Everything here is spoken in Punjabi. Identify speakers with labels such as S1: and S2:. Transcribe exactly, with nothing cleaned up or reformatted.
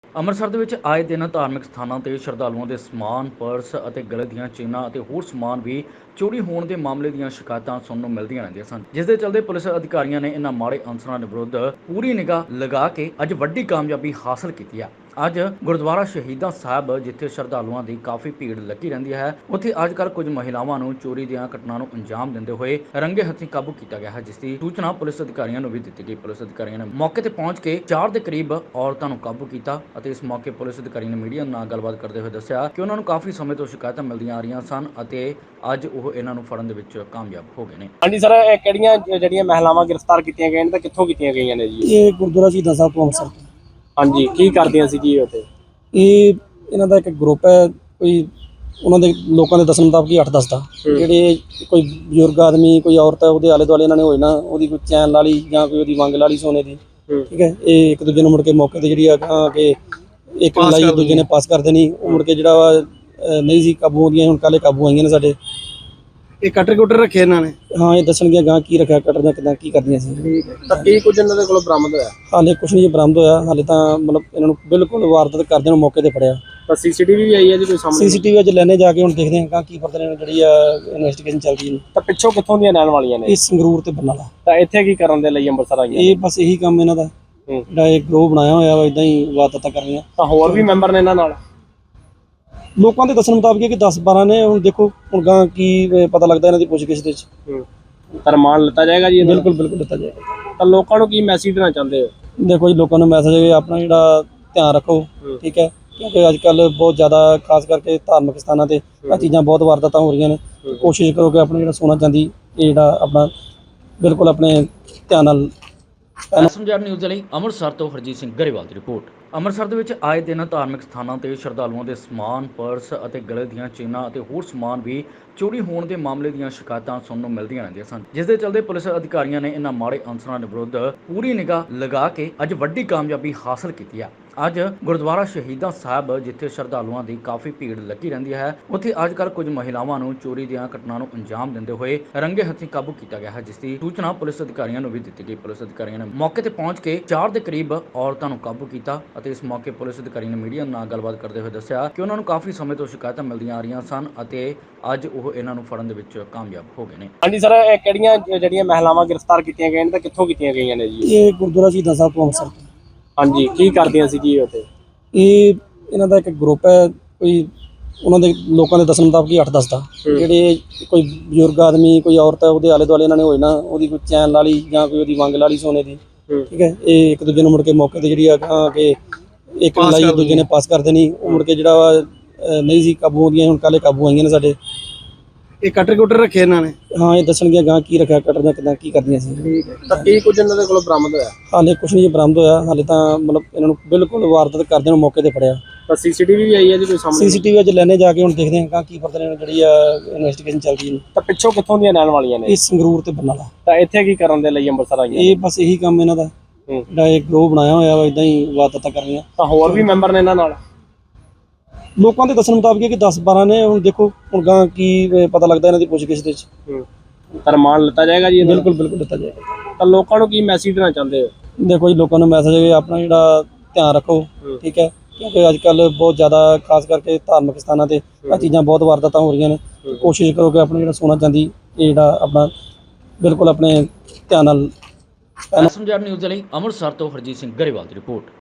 S1: ਅੰਮ੍ਰਿਤਸਰ ਦੇ ਵਿੱਚ ਆਏ ਦਿਨ ਧਾਰਮਿਕ ਸਥਾਨਾਂ ਤੇ ਸ਼ਰਧਾਲੂਆਂ ਦੇ ਸਮਾਨ, ਪਰਸ ਅਤੇ ਗਲੇ ਦੀਆਂ ਚੇਨਾਂ ਅਤੇ ਹੋਰ ਸਮਾਨ ਵੀ ਚੋਰੀ ਹੋਣ ਦੇ ਮਾਮਲੇ ਦੀਆਂ ਸ਼ਿਕਾਇਤਾਂ ਸੁਣਨ ਨੂੰ ਮਿਲਦੀਆਂ ਰਹਿੰਦੀਆਂ ਸਨ, ਜਿਸ ਦੇ ਚੱਲਦੇ ਪੁਲਿਸ ਅਧਿਕਾਰੀਆਂ ਨੇ ਇਹਨਾਂ ਮਾੜੇ ਅਨਸਰਾਂ ਦੇ ਵਿਰੁੱਧ ਪੂਰੀ ਨਿਗਾਹ ਲਗਾ ਕੇ ਅੱਜ ਵੱਡੀ ਕਾਮਯਾਬੀ ਹਾਸਲ ਕੀਤੀ ਹੈ। ਅੱਜ ਗੁਰਦੁਆਰਾ ਸ਼ਹੀਦਾਂ ਸਾਹਿਬ, ਜਿੱਥੇ ਸ਼ਰਧਾਲੂਆਂ ਦੀ ਕਾਫੀ ਭੀੜ ਲੱਗੀ ਰਹਿੰਦੀ ਹੈ, ਉੱਥੇ ਅੱਜ ਕੱਲ੍ਹ ਕੁਝ ਮਹਿਲਾਵਾਂ ਨੂੰ ਚੋਰੀ ਦੀਆਂ ਘਟਨਾਵਾਂ ਨੂੰ ਅੰਜਾਮ ਦਿੰਦੇ ਹੋਏ ਰੰਗੇ ਹੱਥੀਂ ਕਾਬੂ ਕੀਤਾ ਗਿਆ ਹੈ, ਜਿਸ ਦੀ ਸੂਚਨਾ ਪੁਲਿਸ ਅਧਿਕਾਰੀਆਂ ਨੂੰ ਵੀ ਦਿੱਤੀ ਗਈ। ਪੁਲਿਸ ਅਧਿਕਾਰੀਆਂ ਨੇ ਮੌਕੇ ਤੇ ਪਹੁੰਚ ਕੇ ਚਾਰ ਦੇ ਕਰੀਬ ਔਰਤਾਂ ਨੂੰ ਕਾਬੂ ਕੀਤਾ ਅਤੇ ਇਸ ਮੌਕੇ ਪੁਲਿਸ ਅਧਿਕਾਰੀ ਨੇ ਮੀਡੀਆ ਨਾਲ ਗੱਲਬਾਤ ਕਰਦੇ ਹੋਏ ਦੱਸਿਆ ਕਿ ਉਹਨਾਂ ਨੂੰ ਕਾਫੀ ਸਮੇਂ ਤੋਂ ਸ਼ਿਕਾਇਤਾਂ ਮਿਲਦੀਆਂ ਆ ਰਹੀਆਂ ਸਨ ਅਤੇ ਅੱਜ ਉਹ ਇਹਨਾਂ ਨੂੰ ਫੜਨ ਦੇ ਵਿੱਚ ਕਾਮਯਾਬ ਹੋ ਗਏ ਨੇ।
S2: ਹਾਂਜੀ ਸਰ, ਇਹ ਕਿਹੜੀਆਂ ਜਿਹੜੀਆਂ ਮਹਿਲਾਵਾਂ ਗ੍ਰਿਫਤਾਰ ਕੀਤੀਆਂ ਗਈਆਂ ਨੇ ਤੇ ਕਿੱਥੋਂ ਕੀਤੀਆਂ ਗਈਆਂ ਨੇ ਜੀ?
S3: ਇਹ ਗੁਰਦੁਆਰਾ ਸ਼ਹੀਦਾਂ ਸਾਹਿਬ ਤੋਂ ਅੰਮ੍ਰਿਤਸਰ ਤੋਂ।
S2: ਹਾਂਜੀ, ਕੀ ਕਰਦੀਆਂ ਸੀ ਜੀ ਉੱਥੇ?
S3: ਇਹ ਇਹਨਾਂ ਦਾ ਇੱਕ ਗਰੁੱਪ ਹੈ, ਕੋਈ ਉਹਨਾਂ ਦੇ ਲੋਕਾਂ ਦੇ ਦੱਸਣ ਮੁਤਾਬਕ ਹੀ ਅੱਠ ਦਸ ਦਾ, ਜਿਹੜੇ ਕੋਈ ਬਜ਼ੁਰਗ ਆਦਮੀ, ਕੋਈ ਔਰਤ ਹੈ, ਉਹਦੇ ਆਲੇ ਦੁਆਲੇ ਇਹਨਾਂ ਨੇ ਹੋਏ ਨਾ, ਉਹਦੀ ਕੋਈ ਚੈਨ ਲਾ ਲਈ ਜਾਂ ਕੋਈ ਉਹਦੀ ਵੰਗ ਲਾ ਲਈ ਸੋਨੇ ਦੀ। ਠੀਕ ਹੈ, ਇਹ ਇੱਕ ਦੂਜੇ ਨੂੰ ਮੁੜ ਕੇ ਮੌਕੇ ਤੇ ਜਿਹੜੀ ਆ ਕਿ ਇੱਕ ਨੇ ਲਾਈ ਦੂਜੇ ਨੇ ਪਾਸ ਕਰ ਦੇਣੀ, ਉਹ ਮੁੜ ਕੇ ਜਿਹੜਾ ਵਾ ਨਹੀਂ ਸੀ ਕਾਬੂ ਆਉਂਦੀਆਂ, ਹੁਣ ਕੱਲ੍ਹ ਕਾਬੂ ਆਈਆਂ ਨੇ ਸਾਡੇ।
S2: ਇਹ ਕਟਰ ਕੁਟਰ ਰੱਖੇ ਇਹਨਾਂ ਨੇ?
S3: ਹਾਂ, ਇਹ ਦੱਸਣਗੀਆਂ ਗਾਂ ਕੀ ਰੱਖਿਆ ਕਟਰ ਦਾ, ਕਿੱਦਾਂ ਕੀ ਕਰਦੀਆਂ ਸੀ।
S2: ਤਾਂ ਕੀ ਕੁਝ ਇਹਨਾਂ ਦੇ ਕੋਲੋਂ ਬਰਾਮਦ ਹੋਇਆ?
S3: ਹਾਲੇ ਕੁਛ ਨਹੀਂ ਬਰਾਮਦ ਹੋਇਆ, ਹਾਲੇ ਤਾਂ ਮਤਲਬ ਇਹਨਾਂ ਨੂੰ ਬਿਲਕੁਲ ਵਾਰਦਾਤ ਕਰਦੇ ਨੂੰ ਮੌਕੇ ਤੇ ਫੜਿਆ।
S2: ਤਾਂ ਸੀਸੀਟੀਵੀ ਵੀ ਆਈ ਹੈ ਜੀ ਕੋਈ ਸਾਹਮਣੇ?
S3: ਸੀਸੀਟੀਵੀ ਅੱਜ ਲੈਣੇ ਜਾ ਕੇ ਹੁਣ ਦੇਖਦੇ ਹਾਂ ਕੀ ਫਰਦਰ ਜਿਹੜੀ ਆ ਇਨਵੈਸਟੀਗੇਸ਼ਨ ਚੱਲ ਰਹੀ ਹੈ।
S2: ਤਾਂ ਪਿੱਛੋਂ ਕਿੱਥੋਂ ਦੀਆਂ ਰਹਿਣ ਵਾਲੀਆਂ ਨੇ?
S3: ਇਹ ਸੰਗਰੂਰ ਤੇ ਬਰਨਾਲਾ।
S2: ਤਾਂ ਇੱਥੇ ਕੀ ਕਰਨ ਦੇ ਲਈ ਅੰਮ੍ਰਿਤਸਰ ਆਈਆਂ?
S3: ਇਹ ਬਸ ਇਹੀ ਕੰਮ ਇਹਨਾਂ ਦਾ, ਜਿਹੜਾ ਇਹ ਗਰੋਹ ਬਣਾਇਆ ਹੋਇਆ ਵਾ, ਇਦਾਂ ਹੀ ਵਾਰਦਾਤਾਂ ਕਰ ਰਹੀਆਂ।
S2: ਤਾਂ ਹੋਰ ਵੀ ਮੈਂਬਰ ਨੇ ਇਹਨਾਂ ਨਾਲ?
S3: ਲੋਕਾਂ ਦੇ ਦੱਸਣ ਮੁਤਾਬਕ ਕਿ ਦਸ ਬਾਰਾਂ ਨੇ, ਹੁਣ ਦੇਖੋ ਹੁਣ ਗਾਂ ਕੀ ਪਤਾ ਲੱਗਦਾ ਇਹਨਾਂ ਦੀ ਪੁੱਛਗਿੱਛ ਦੇ ਵਿੱਚ।
S2: ਤਾਂ ਰਿਮਾਂਡ ਲਿੱਤਾ ਜਾਏਗਾ ਜੀ?
S3: ਬਿਲਕੁਲ ਬਿਲਕੁਲ ਲਿੱਤਾ ਜਾਏਗਾ।
S2: ਤਾਂ ਲੋਕਾਂ ਨੂੰ ਕੀ ਮੈਸੇਜ ਦੇਣਾ ਚਾਹੁੰਦੇ ਹੋ?
S3: ਦੇਖੋ ਜੀ, ਲੋਕਾਂ ਨੂੰ ਮੈਸੇਜ ਹੈ ਆਪਣਾ ਜਿਹੜਾ ਧਿਆਨ ਰੱਖੋ, ਠੀਕ ਹੈ, ਕਿਉਂਕਿ ਅੱਜ ਕੱਲ੍ਹ ਬਹੁਤ ਜ਼ਿਆਦਾ ਖਾਸ ਕਰਕੇ ਧਾਰਮਿਕ ਸਥਾਨਾਂ ਤੇ ਇਹ ਚੀਜ਼ਾਂ ਬਹੁਤ ਵਾਰਦਾਤਾਂ ਹੋ ਰਹੀਆਂ ਨੇ। ਕੋਸ਼ਿਸ਼ ਕਰੋ ਕਿ ਆਪਣਾ ਜਿਹੜਾ ਸੋਨਾ ਚਾਂਦੀ ਇਹ ਜਿਹੜਾ ਆਪਣਾ ਬਿਲਕੁਲ ਆਪਣੇ ਧਿਆਨ ਨਾਲ।
S1: ਐਸਐਮਜੈਡ ਨਿਊਜ਼ ਲਈ ਅੰਮ੍ਰਿਤਸਰ ਤੋਂ ਹਰਜੀਤ ਸਿੰਘ ਗਰੇਵਾਲ ਦੀ ਰਿਪੋਰਟ। ਅੰਮ੍ਰਿਤਸਰ ਦੇ ਵਿੱਚ ਆਏ ਦਿਨ ਧਾਰਮਿਕ ਸਥਾਨਾਂ ਤੇ ਸ਼ਰਧਾਲੂਆਂ ਦੇ ਸਮਾਨ, ਪਰਸ ਅਤੇ ਗਲੇ ਦੀਆਂ ਚੇਨਾਂ ਅਤੇ ਹੋਰ ਸਮਾਨ ਵੀ ਚੋਰੀ ਹੋਣ ਦੇ ਮਾਮਲੇ ਦੀਆਂ ਸ਼ਿਕਾਇਤਾਂ ਸੁਣਨ ਨੂੰ ਮਿਲਦੀਆਂ ਰਹਿੰਦੀਆਂ ਸਨ, ਜਿਸ ਦੇ ਚੱਲਦੇ ਪੁਲਿਸ ਅਧਿਕਾਰੀਆਂ ਨੇ ਇਹਨਾਂ ਮਾੜੇ ਅਨਸਰਾਂ ਦੇ ਵਿਰੁੱਧ ਪੂਰੀ ਨਿਗਾਹ ਲਗਾ ਕੇ ਅੱਜ ਵੱਡੀ ਕਾਮਯਾਬੀ ਹਾਸਲ ਕੀਤੀ ਹੈ। ਅੱਜ ਗੁਰਦੁਆਰਾ ਸ਼ਹੀਦਾਂ ਸਾਹਿਬ, ਜਿੱਥੇ ਸ਼ਰਧਾਲੂਆਂ ਦੀ ਕਾਫੀ ਭੀੜ ਲੱਗੀ ਰਹਿੰਦੀ ਹੈ, ਉੱਥੇ ਅੱਜ ਕੱਲ੍ਹ ਕੁਝ ਮਹਿਲਾਵਾਂ ਨੂੰ ਚੋਰੀ ਦੀਆਂ ਘਟਨਾਵਾਂ ਨੂੰ ਅੰਜਾਮ ਦਿੰਦੇ ਹੋਏ ਰੰਗੇ ਹੱਥੀਂ ਕਾਬੂ ਕੀਤਾ ਗਿਆ ਹੈ, ਜਿਸ ਦੀ ਸੂਚਨਾ ਪੁਲਿਸ ਅਧਿਕਾਰੀਆਂ ਨੂੰ ਵੀ ਦਿੱਤੀ ਗਈ। ਪੁਲਿਸ ਅਧਿਕਾਰੀਆਂ ਨੇ ਮੌਕੇ ਤੇ ਪਹੁੰਚ ਕੇ ਚਾਰ ਦੇ ਕਰੀਬ ਔਰਤਾਂ ਨੂੰ ਕਾਬੂ ਕੀਤਾ ਅਤੇ ਇਸ ਮੌਕੇ ਪੁਲਿਸ ਅਧਿਕਾਰੀ ਨੇ ਮੀਡੀਆ ਨਾਲ ਗੱਲਬਾਤ ਕਰਦੇ ਹੋਏ ਦੱਸਿਆ ਕਿ ਉਹਨਾਂ ਨੂੰ ਕਾਫੀ ਸਮੇਂ ਤੋਂ ਸ਼ਿਕਾਇਤਾਂ ਮਿਲਦੀਆਂ ਆ ਰਹੀਆਂ ਸਨ ਅਤੇ ਅੱਜ ਉਹ ਇਹਨਾਂ ਨੂੰ ਫੜਨ ਦੇ ਵਿੱਚ ਕਾਮਯਾਬ ਹੋ ਗਏ ਨੇ।
S2: ਹਾਂਜੀ ਸਰ, ਇਹ ਕਿਹੜੀਆਂ ਜਿਹੜੀਆਂ ਮਹਿਲਾਵਾਂ ਗ੍ਰਿਫਤਾਰ ਕੀਤੀਆਂ ਗਈਆਂ ਨੇ ਤੇ ਕਿੱਥੋਂ ਕੀਤੀਆਂ ਗਈਆਂ ਨੇ ਜੀ?
S3: ਇਹ ਗੁਰਦੁਆਰਾ ਸ਼ਹੀਦਾਂ ਸਾਹਿਬ ਤੋਂ ਅੰਮ੍ਰਿਤਸਰ ਤੋਂ।
S2: ਹਾਂਜੀ, ਕੀ ਕਰਦੀਆਂ ਸੀ ਜੀ ਉੱਥੇ?
S3: ਇਹ ਇਹਨਾਂ ਦਾ ਇੱਕ ਗਰੁੱਪ ਹੈ, ਕੋਈ ਉਹਨਾਂ ਦੇ ਲੋਕਾਂ ਦੇ ਦੱਸਣ ਮੁਤਾਬਕ ਹੀ ਅੱਠ ਦਸ ਦਾ, ਜਿਹੜੇ ਕੋਈ ਬਜ਼ੁਰਗ ਆਦਮੀ, ਕੋਈ ਔਰਤ ਹੈ, ਉਹਦੇ ਆਲੇ ਦੁਆਲੇ ਇਹਨਾਂ ਨੇ ਹੋਏ ਨਾ, ਉਹਦੀ ਕੋਈ ਚੈਨ ਲਾ ਲਈ ਜਾਂ ਕੋਈ ਉਹਦੀ ਵੰਗ ਲਾ ਲਈ ਸੋਨੇ ਦੀ। ਠੀਕ ਹੈ, ਇਹ ਇੱਕ ਦੂਜੇ ਨੂੰ ਮੁੜ ਕੇ ਮੌਕੇ ਤੇ ਜਿਹੜੀ ਆ ਕਿ ਇੱਕ ਨੇ ਲਾਈ ਦੂਜੇ ਨੇ ਪਾਸ ਕਰ ਦੇਣੀ, ਉਹ ਮੁੜ ਕੇ ਜਿਹੜਾ ਵਾ ਨਹੀਂ ਸੀ ਕਾਬੂ ਆਉਂਦੀਆਂ, ਹੁਣ ਕੱਲ੍ਹ ਕਾਬੂ ਆਈਆਂ ਨੇ ਸਾਡੇ।
S2: ਇਹ ਕਟਰ ਕੁਟਰ ਰੱਖੇ ਇਹਨਾਂ ਨੇ?
S3: ਹਾਂ, ਇਹ ਦੱਸਣਗੀਆਂ ਗਾਂ ਕੀ ਰੱਖਿਆ ਕਟਰ ਦਾ, ਕਿੱਦਾਂ ਕੀ ਕਰਦੀਆਂ ਸੀ।
S2: ਤਾਂ ਕੀ ਕੁਝ ਇਹਨਾਂ ਦੇ ਕੋਲੋਂ ਬਰਾਮਦ ਹੋਇਆ? ਹਾਲੇ
S3: ਕੁਛ ਨਹੀਂ ਬਰਾਮਦ ਹੋਇਆ, ਹਾਲੇ ਤਾਂ ਮਤਲਬ ਇਹਨਾਂ ਨੂੰ ਬਿਲਕੁਲ ਵਾਰਦਾਤ ਕਰਦੇ ਨੂੰ ਮੌਕੇ ਤੇ ਫੜਿਆ।
S2: ਤਾਂ ਸੀਸੀਟੀਵੀ ਵੀ ਆਈ ਹੈ ਜੀ ਕੋਈ ਸਾਹਮਣੇ?
S3: ਸੀਸੀਟੀਵੀ ਅੱਜ ਲੈਣੇ ਜਾ ਕੇ ਹੁਣ ਦੇਖਦੇ ਹਾਂ ਕੀ ਫਰਦਰ ਜਿਹੜੀ ਆ ਇਨਵੈਸਟੀਗੇਸ਼ਨ ਚੱਲ ਰਹੀ ਹੈ।
S2: ਤਾਂ ਪਿੱਛੋਂ ਕਿੱਥੋਂ ਦੀਆਂ ਰਹਿਣ ਵਾਲੀਆਂ ਨੇ?
S3: ਇਹ ਸੰਗਰੂਰ ਤੇ ਬਰਨਾਲਾ।
S2: ਤਾਂ ਇੱਥੇ ਕੀ ਕਰਨ ਦੇ ਲਈ ਅੰਮ੍ਰਿਤਸਰ ਆਈਆਂ?
S3: ਇਹ ਬਸ ਇਹੀ ਕੰਮ ਇਹਨਾਂ ਦਾ, ਜਿਹੜਾ ਇਹ ਗਰੋਹ ਬਣਾਇਆ ਹੋਇਆ ਵਾ, ਇਦਾਂ ਹੀ ਵਾਰਦਾਤਾਂ ਕਰ ਰਹੀਆਂ।
S2: ਤਾਂ ਹੋਰ ਵੀ ਮੈਂਬਰ ਨੇ ਇਹਨਾਂ ਨਾਲ?
S3: ਲੋਕਾਂ ਦੇ ਦੱਸਣ ਮੁਤਾਬਕ ਕਿ ਦਸ ਬਾਰਾਂ ਨੇ, ਹੁਣ ਦੇਖੋ ਹੁਣ ਗਾਂ ਕੀ ਪਤਾ ਲੱਗਦਾ ਇਹਨਾਂ ਦੀ ਪੁੱਛਗਿੱਛ ਦੇ ਵਿੱਚ।
S2: ਤਾਂ ਰਿਮਾਂਡ ਲਿੱਤਾ ਜਾਏਗਾ ਜੀ?
S3: ਬਿਲਕੁਲ ਬਿਲਕੁਲ ਲਿੱਤਾ ਜਾਏਗਾ।
S2: ਤਾਂ ਲੋਕਾਂ ਨੂੰ ਕੀ ਮੈਸੇਜ ਦੇਣਾ ਚਾਹੁੰਦੇ ਹੋ?
S3: ਦੇਖੋ ਜੀ, ਲੋਕਾਂ ਨੂੰ ਮੈਸੇਜ ਹੈ ਆਪਣਾ ਜਿਹੜਾ ਧਿਆਨ ਰੱਖੋ, ਠੀਕ ਹੈ, ਕਿਉਂਕਿ ਅੱਜ ਕੱਲ੍ਹ ਬਹੁਤ ਜ਼ਿਆਦਾ ਖਾਸ ਕਰਕੇ ਧਾਰਮਿਕ ਸਥਾਨਾਂ ਤੇ ਇਹ ਚੀਜ਼ਾਂ ਬਹੁਤ ਵਾਰਦਾਤਾਂ ਹੋ ਰਹੀਆਂ ਨੇ। ਕੋਸ਼ਿਸ਼ ਕਰੋ ਕਿ ਆਪਣਾ ਜਿਹੜਾ ਸੋਨਾ ਚਾਂਦੀ ਇਹ ਜਿਹੜਾ ਆਪਣਾ ਬਿਲਕੁਲ ਆਪਣੇ ਧਿਆਨ ਨਾਲ।
S1: ਐਸਐਮਜੈਡ ਨਿਊਜ਼ ਲਈ ਅੰਮ੍ਰਿਤਸਰ ਤੋਂ ਹਰਜੀਤ ਸਿੰਘ ਗਰੇਵਾਲ ਦੀ ਰਿਪੋਰਟ।